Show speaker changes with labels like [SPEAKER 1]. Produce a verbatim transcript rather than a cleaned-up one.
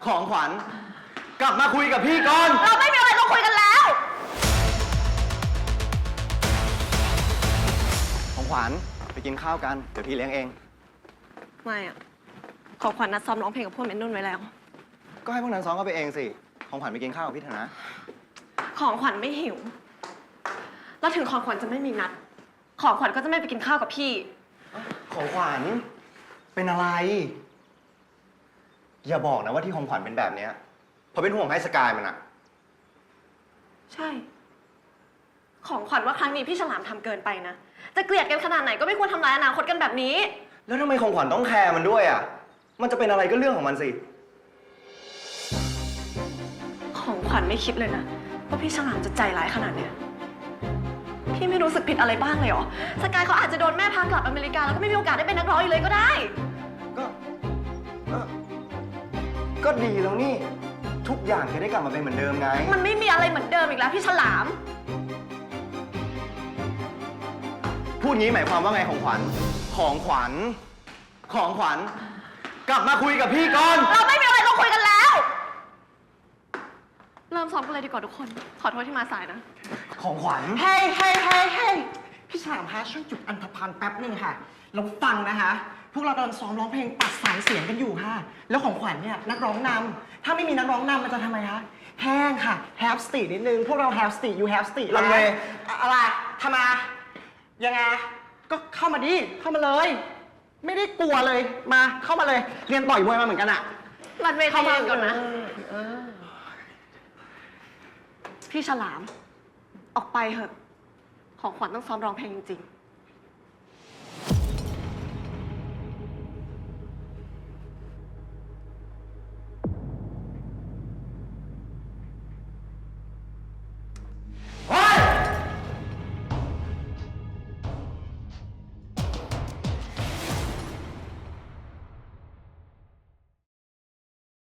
[SPEAKER 1] ของขวัญกลับมาคุยกับพี่ก่อน
[SPEAKER 2] เราไม่มีอะไรต้องคุยกันแล้ว
[SPEAKER 1] ของขวัญไปกินข้าวกันเดี๋ยวพี่เลี้ยงเอง
[SPEAKER 2] ไม่อะของขวัญนัดซ้อมร้องเพลงกับพวกเมนนุ่นไว้แล้ว
[SPEAKER 1] ก็ให้พวกนั้นซ้อมก็ไปเองสิของขวัญไปกินข้าวกับพี่เถอะนะ
[SPEAKER 2] ของขวัญไม่หิวแล้วถึงของขวัญจะไม่มีนัดของขวัญก็จะไม่ไปกินข้าวกับพี่
[SPEAKER 1] ของขวัญเป็นอะไรอย่าบอกนะว่าที่ของขวัญเป็นแบบเนี้ยเพราะเป็นห่วงให้สกายมันอะ
[SPEAKER 2] ใช่ของขวัญว่าครั้งนี้พี่ฉลามทำเกินไปนะจะเกลียดกันขนาดไหนก็ไม่ควรทำร้ายอนาคตกันแบบนี้
[SPEAKER 1] แล้วทำไมของขวัญต้องแคร์มันด้วยอะมันจะเป็นอะไรก็เรื่องของมันสิ
[SPEAKER 2] ของขวัญไม่คิดเลยนะว่าพี่ฉลามจะใจร้ายขนาดเนี้ยพี่ไม่รู้สึกผิดอะไรบ้างเลยเหรอสกายเขาอาจจะโดนแม่พากลับอเมริกาแล้วก็ไม่มีโอกาสได้เป็นนักร้องอีกเลยก็ได้
[SPEAKER 1] ก็ก็ก็ดีแล้วนี่ทุกอย่างจะได้กลับมาเป็นเหมือนเดิมไง
[SPEAKER 2] มันไม่มีอะไรเหมือนเดิมอีกแล้วพี่ฉลาม
[SPEAKER 1] พูดงี้หมายความว่าไงของขวัญของขวัญของขวัญกลับมาคุยกับพี่ก่อน
[SPEAKER 2] เราไม่มีอะไรต้องคุยกันแล้วเริ่มซ้อมกันเลยดีกว่าทุกคนขอโทษที่มาสายนะ
[SPEAKER 1] ของขวัญ
[SPEAKER 3] เฮ้ยเฮ้ยเฮ้ยเฮ้ยพี่ฉลามฮะช่วยจุดอันธพาลแป๊บนึงค่ะเราฟังนะคะพวกเรากำลังซ้อมร้องเพลงตัดสายเสียงกันอยู่ค่ะแล้วของขวัญเนี่ยนักร้องนำถ้าไม่มีนักร้องนำมันจะทำไมคะแห้งค่ะ have stage นิดนึงพวกเรา have stage you have stage
[SPEAKER 1] ลังเล
[SPEAKER 3] อะไรทำไมยังไงก็เข้ามาดิเข้ามาเลยไม่ได้กลัวเลยมาเข้ามาเลยเรียนต่อยมวยมาเหมือนกันอะ
[SPEAKER 2] รันเวย์เข้ามาก่อนนะพี่ฉลามออกไปเถอะของขวัญต้องซ้อมร้องเพลงจริงๆ